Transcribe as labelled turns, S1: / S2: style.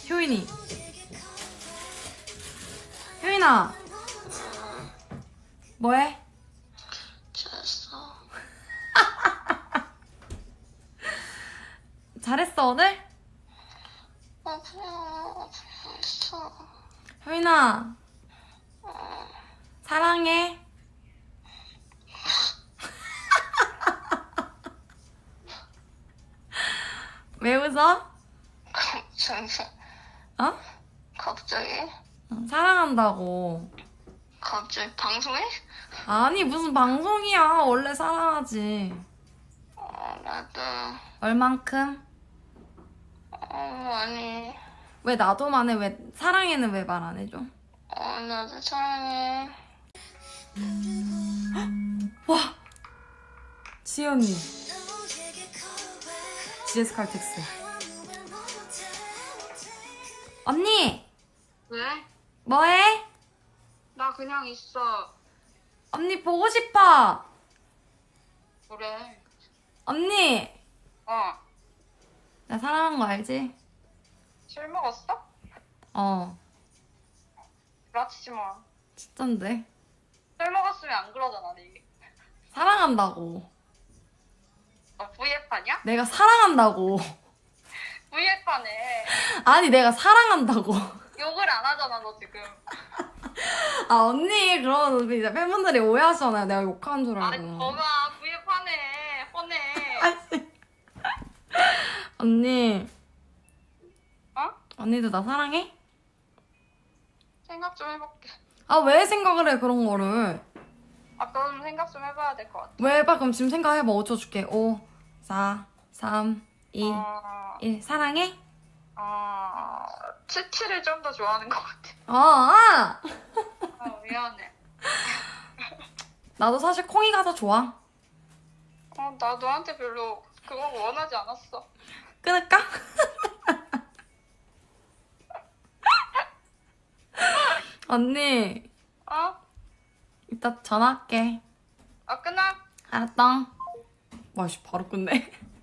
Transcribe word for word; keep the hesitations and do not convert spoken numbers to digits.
S1: 효인이. 효인아. 뭐해?
S2: 잘했어.
S1: 잘했어 오늘?
S2: 아, 그냥 했어.
S1: 효인아. 사랑해. 왜 웃어?
S2: 갑자기,
S1: 어?
S2: 갑자기?
S1: 응, 사랑한다고.
S2: 갑자기 방송해?
S1: 아니 무슨 방송이야. 원래 사랑하지.
S2: 어, 나도.
S1: 얼만큼?
S2: 어, 아니.
S1: 왜 나도만 해? 왜 사랑해는 왜 말 안 해줘?
S2: 어, 나도 사랑해.
S1: 와! 지연이. 지에스 칼텍스. 언니!
S2: 왜?
S1: 뭐해?
S2: 나 그냥 있어.
S1: 언니 보고 싶어.
S2: 그래.
S1: 언니!
S2: 어.
S1: 나 사랑한 거 알지?
S2: 술 먹었어?
S1: 어.
S2: 부라치지 마.
S1: 진짠데.
S2: 술 먹었으면 안 그러잖아, 니.
S1: 사랑한다고.
S2: 너 브이에프 하냐?
S1: 내가 사랑한다고.
S2: 브이에프 하네.
S1: 아니 내가 사랑한다고.
S2: 욕을 안 하잖아, 너 지금.
S1: 아 언니 그러면 이제 팬분들이 오해하시잖아요. 내가 욕하는 줄
S2: 아니,
S1: 알고.
S2: 너가 브이에프 하네. 뻔해.
S1: 아이씨. 언니.
S2: 어?
S1: 언니도 나 사랑해?
S2: 생각 좀 해볼게.
S1: 아 왜 생각을 해 그런 거를.
S2: 아, 그럼 생각 좀 해봐야 될 것 같아.
S1: 왜 해봐. 그럼 지금 생각해봐. 오 초 줄게. 오, 사, 삼, 이,
S2: 어,
S1: 일. 사랑해?
S2: 어, 치치를 좀 더 좋아하는 것 같아.
S1: 어, 아!
S2: 어, 미안해.
S1: 나도 사실 콩이가 더 좋아.
S2: 어, 나 너한테 별로 그거 원하지 않았어.
S1: 끊을까? 언니
S2: 어?
S1: 이따 전화할게.
S2: 아, 끊어?
S1: 알았다. 와씨 바로 끝내.